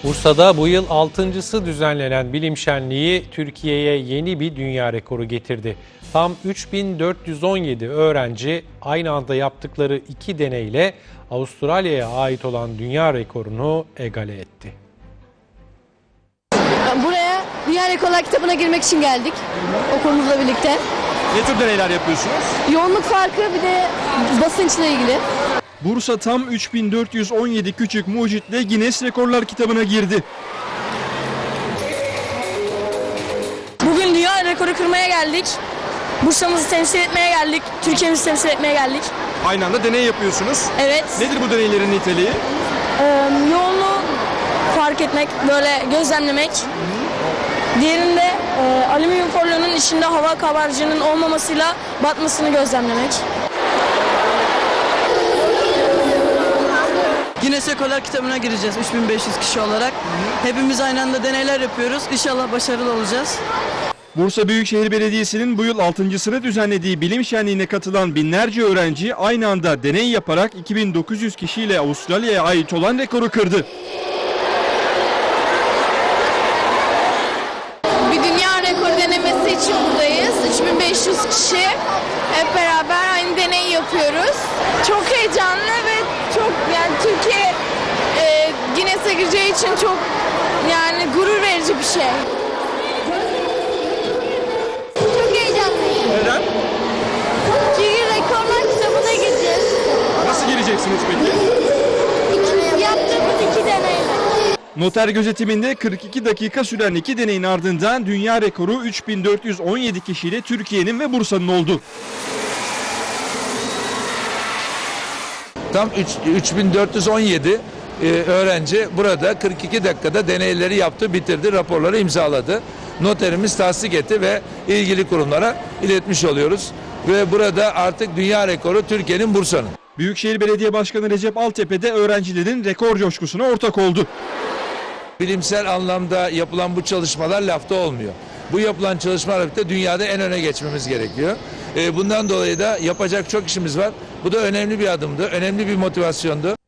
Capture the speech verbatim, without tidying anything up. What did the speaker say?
Bursa'da bu yıl altıncısı düzenlenen bilim şenliği Türkiye'ye yeni bir dünya rekoru getirdi. Tam üç bin dört yüz on yedi öğrenci aynı anda yaptıkları iki deneyle Avustralya'ya ait olan dünya rekorunu egale etti. Buraya Dünya Rekorlar kitabına girmek için geldik okulumuzla birlikte. Ne tür deneyler yapıyorsunuz? Yoğunluk farkı bir de basınçla ilgili. Bursa tam üç bin dört yüz on yedi küçük mucitle Guinness Rekorlar kitabına girdi. Bugün dünya rekoru kırmaya geldik. Bursa'mızı temsil etmeye geldik. Türkiye'mizi temsil etmeye geldik. Aynı anda deney yapıyorsunuz. Evet. Nedir bu deneylerin niteliği? Ee, yoğunluğu fark etmek, böyle gözlemlemek. Diğerinde e, alüminyum folyonun içinde hava kabarcığının olmamasıyla batmasını gözlemlemek. Guinness Rekorlar kitabına gireceğiz üç bin beş yüz kişi olarak. Hepimiz aynı anda deneyler yapıyoruz. İnşallah başarılı olacağız. Bursa Büyükşehir Belediyesi'nin bu yıl altıncısını düzenlediği bilim şenliğine katılan binlerce öğrenci aynı anda deney yaparak iki bin dokuz yüz kişiyle Avustralya'ya ait olan rekoru kırdı. Bir dünya rekoru denemesi için buradayız. üç bin beş yüz kişi hep beraber aynı deneyi yapıyoruz. Çok heyecanlı ve çok yani Türkiye e, Guinness'e gireceği için çok yani gurur verici bir şey. Çok heyecanlıyım. Neden? Çünkü rekorlar kitabına gireceğiz. Nasıl gireceksiniz peki? İki, yaptığımız iki deneyle. Noter gözetiminde kırk iki dakika süren iki deneyin ardından dünya rekoru üç bin dört yüz on yedi kişiyle Türkiye'nin ve Bursa'nın oldu. Tam üç bin dört yüz on yedi e, öğrenci burada kırk iki dakikada deneyleri yaptı, bitirdi, raporları imzaladı. Noterimiz tasdik etti ve ilgili kurumlara iletmiş oluyoruz. Ve burada artık dünya rekoru Türkiye'nin, Bursa'nın. Büyükşehir Belediye Başkanı Recep Altepe de öğrencilerin rekor coşkusuna ortak oldu. Bilimsel anlamda yapılan bu çalışmalar lafta olmuyor. Bu yapılan çalışmalarla birlikte dünyada en öne geçmemiz gerekiyor. E, bundan dolayı da yapacak çok işimiz var. Bu da önemli bir adımdı, önemli bir motivasyondu.